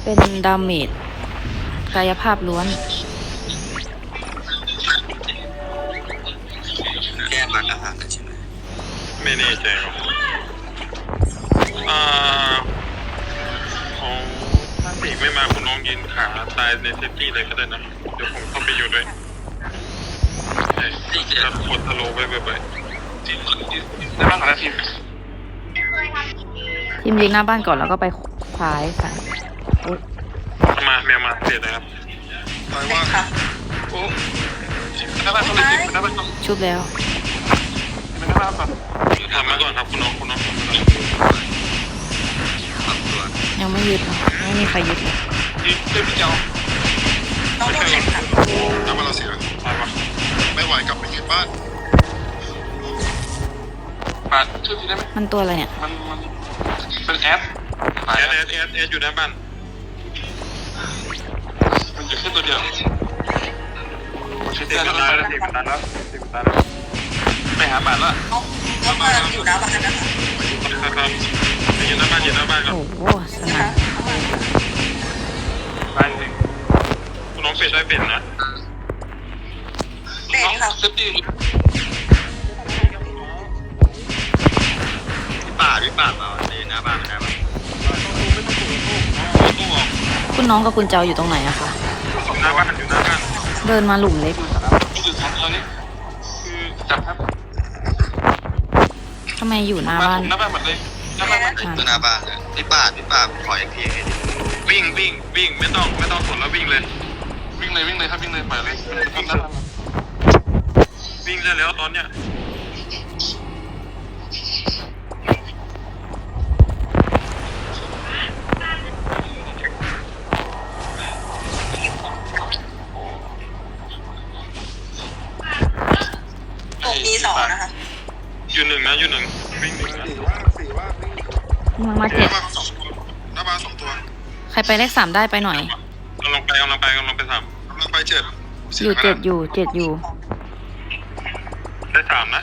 เป็นดาเมจกายภาพล้วนแก้บัตรอาหารใช่ไหมไม่แน่ใจหรอกของถ้าเสกไม่มาคุณน้องยืนขาตายในเซฟตี้เลยก็ได้นะเดี๋ยวผมเข้าไปอยู่ด้วยจะกดสโลว์ไว้บ่อยๆได้บ้างนะทีมทีมยิงหน้าบ้านก่อนแล้วก็ไปซ้ายค่ะมาแมวมาเสร็จนะครับตายว่าโอ้หน้าบ้านเขาเลยหน้าบ้านเขาชุบแล้วหน้าบ้านก่อนทำมาก่อนครับคุณน้องยังไม่ยึดนะไม่มีใครยึดเลยยึดเต็มเจ้าต้องโดนแข่งขันน้ำมันเราเสียตายปะไม่ไหวกลับไปยึดบ้านบ้านช่วยทีได้ไหมมันตัวอะไรเนี่ยมันเป็นแอดอยู่หน้าบ้านมันอยู่แค่ตัวเดียวเสียงตายแล้วไปหาบ้านแล้วน้องมาอยู่หน้าบ้านนะคะครับอยู่หน้าบ้านก่อนโอ้โหสนานบ้านคุณน้องเป็ดได้เป็ดนะเป็ดค่ะเซฟตี้ป่าในหน้าบ้านไม่ได้ป่ะตู้ออกคุณน้องกับคุณเจ้าอยู่ตรงไหนอะคะหน้าบ้านอยู่หน้าบ้านเดินมาหลุมเล็กคือจับครับทำไมอยู่หน้าบ้านหน้าบ้านหมดเลยหน้าบ้านเลยพี่ป่าขออีกทีวิ่งไม่ต้องสนแล้ววิ่งเลยครับวิ่งเลยปล่อยเลยวิ่งได้แล้วตอนเนี้ยมี2นะคะอยู่หนึ่งวิ่ง1 มา7 หน้าบ้าน2ตัวใครไปเลข3ได้ไปหน่อยกำลังไป3กำลังไป7 อยู่7อยู่ได้3นะ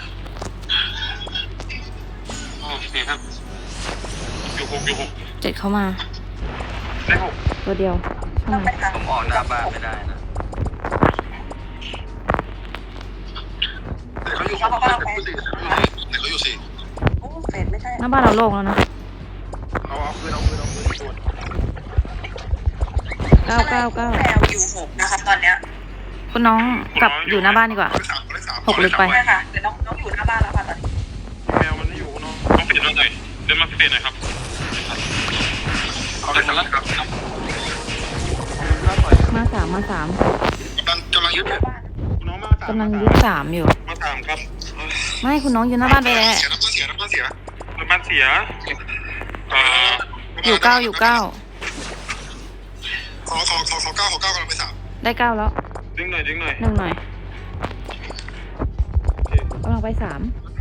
โอเคครับอยู่6 7เข้ามาได้6 ตัวเดียวใช่ไหมผมออกหน้าบ้านไม่ได้นะเขาอยู่6เขาอยู่4 โอ้เป็ดไม่ใช่หน้าบ้านเราโล่งแล้วนะเอาปืน 9 แมวอยู่6นะคะตอนเนี้ยคุณน้องกลับอยู่หน้าบ้านดีกว่า6ลึกไปใช่ค่ะเดี๋ยวน้องอยู่หน้าบ้านแล้วค่ะตอนนี้แมวมันไม่อยู่น้องเปลี่ยนแล้วหน่อยเดินมาเปลี่ยนหน่อยครับเอาไปแล้วครับมา3 กำลังยึดคุณน้องกำลังยึด3อยู่มา3ครับไม่คุณน้องอยู่หน้าบ้านไปแล้วน้ำมันเสียอยู่9 ขอ9กำลังไป3 ได้9แล้วดึงหน่อย 1หน่อยกำลังไป3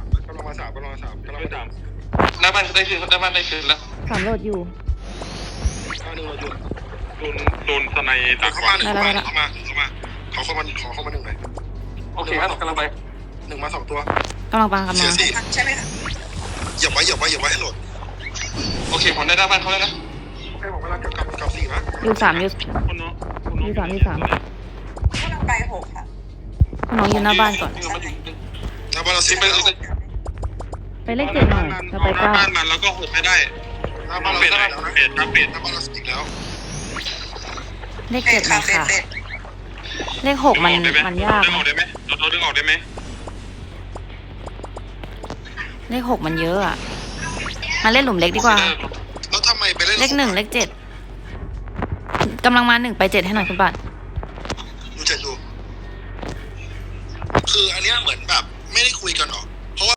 หน้าบ้านได้คืนแล้ว 3โหลดอยู่โดนสไนดักเข้ามาขอเข้ามา1หน่อยโอเคครับกำลังไป1มา2ตัวกำลังปังมาใช่ไหมคะอย่าไว้ให้โหลดโอเคผมได้หน้าบ้านเขาแล้วนะโอเคผมกำลังกับ4นะอยู่3อยู่3 กำลังไป6ค่ะคุณน้องอยู่หน้าบ้านก่อนหน้าบ้านเราไปเลข7หน่อยเราไป9 บ้านมันแล้วก็6ให้ได้หน้าบ้านเราเปลี่ยนหน้าบ้านเราอีกแล้วเลข7หน่อยค่ะเลข6มันยากดึงออกได้ไหมเราดึงออกได้ไหมเลข6มันเยอะอ่ะมาเล่นหลุมเล็กดีกว่าแล้วทำไมไปเล่นเลข1เลข7กำลังมา1ไป7ให้หน่อยคุณปัดดู7ดูคืออันเนี้ยเหมือนแบบไม่ได้คุยกันหรอ